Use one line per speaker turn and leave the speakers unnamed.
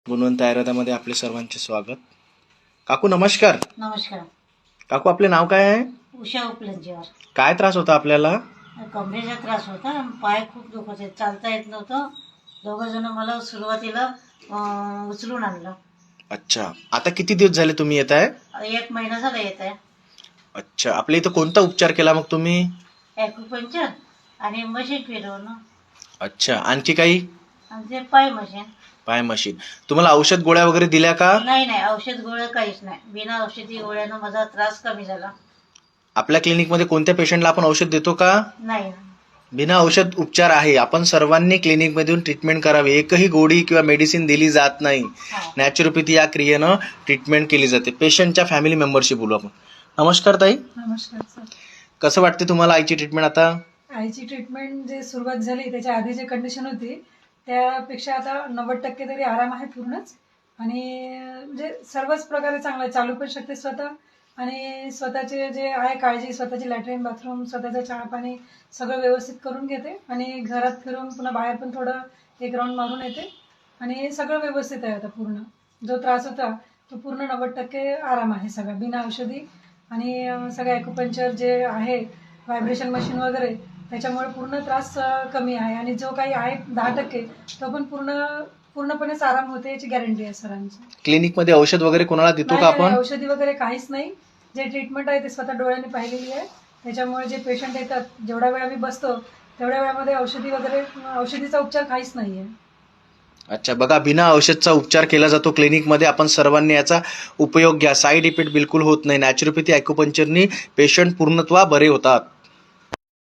गुणवंत आयुर्वेदामध्ये आपले सर्वांचे स्वागत. काकू नमस्कार.
नमस्कार.
काकू आपले नाव काय आहे?
उषा उपलंजीवर.
काय त्रास होता आपल्याला?
कमरेचा त्रास होता, पाय खूप दुखत होते, चालता येत नव्हतं. दोघं जण मला सुरुवातीला उचलून आणलं.
अच्छा, आता किती दिवस झाले तुम्ही येत आहे?
1 महिना झाला येत आहे.
अच्छा, आपल्या इथं कोणता उपचार केला मग तुम्ही?
ॲक्युपंक्चर आणि मशीन फिरवणं
अच्छा, आणखी काही?
आणि ते पाय मशीन.
पाय मशीन. तुम्हाला औषध गोळ्या वगैरे दिल्या का?
नाही, औषध गोळ्या काहीच नाही. बिना औषधी गोळ्यानं माझा त्रास कमी झाला.
आपल्या क्लिनिकमध्ये कोणत्या पेशंटला आपण औषध देतो का?
नाही.
बिना औषध उपचार आहे. आपण सर्वांनी क्लिनिकमधून ट्रीटमेंट करावी. एकही गोळी किंवा मेडिसिन दिली जात नाही.
हो.
नॅचरोपॅथी या क्रियेनं ट्रीटमेंट केली जाते. पेशंटच्या फॅमिली मेंबरशी बोलू आपण. नमस्कार ताई.
नमस्कार सर.
कसं वाटते तुम्हाला आईची ट्रीटमेंट आता?
आईची ट्रीटमेंट जे सुरुवात झाली त्याच्या आधी जी कंडिशन होती त्यापेक्षा आता 90% तरी आराम आहे पूर्णच. आणि म्हणजे सर्वच प्रकारे चांगलं आहे. चालू पण शकते स्वतः आणि स्वतःचे जे आहे काळजी, स्वतःची लॅट्रिन बाथरूम, स्वतःचं चहा पाणी सगळं व्यवस्थित करून घेते. आणि घरात फिरून पुन्हा बाहेर पण थोडं एक राऊंड मारून येते. आणि सगळं व्यवस्थित आहे आता पूर्ण. जो त्रास होता तो पूर्ण 90% आराम आहे सगळा बिना औषधी. आणि सगळं ॲक्युपंक्चर जे आहे, व्हायब्रेशन मशीन वगैरे, त्याच्यामुळे पूर्ण त्रास कमी आहे. आणि जो काही आहे 10% तो पण पूर्णपणेच आराम होते याची गॅरंटी आहे सरांची.
क्लिनिकमध्ये औषध वगैरे कोणाला देतो का
नाही,
आपण?
औषधी वगैरे काहीच नाही. जे ट्रीटमेंट आहे ते स्वतः डोळ्यांनी पाहिलेली आहे. त्याच्यामुळे जे पेशंट येतात, जेवढ्या वेळ आम्ही बसतो तेवढ्या वेळामध्ये औषधीचा उपचार काहीच नाही आहे.
अच्छा, बघा, बिना औषधचा उपचार केला जातो क्लिनिकमध्ये. आपण सर्वांनी याचा उपयोग घ्या. साईड इफेक्ट बिलकुल होत नाही. नॅचरोपॅथी ॲक्युपंक्चरनी पेशंट पूर्णत्वा बरे होतात.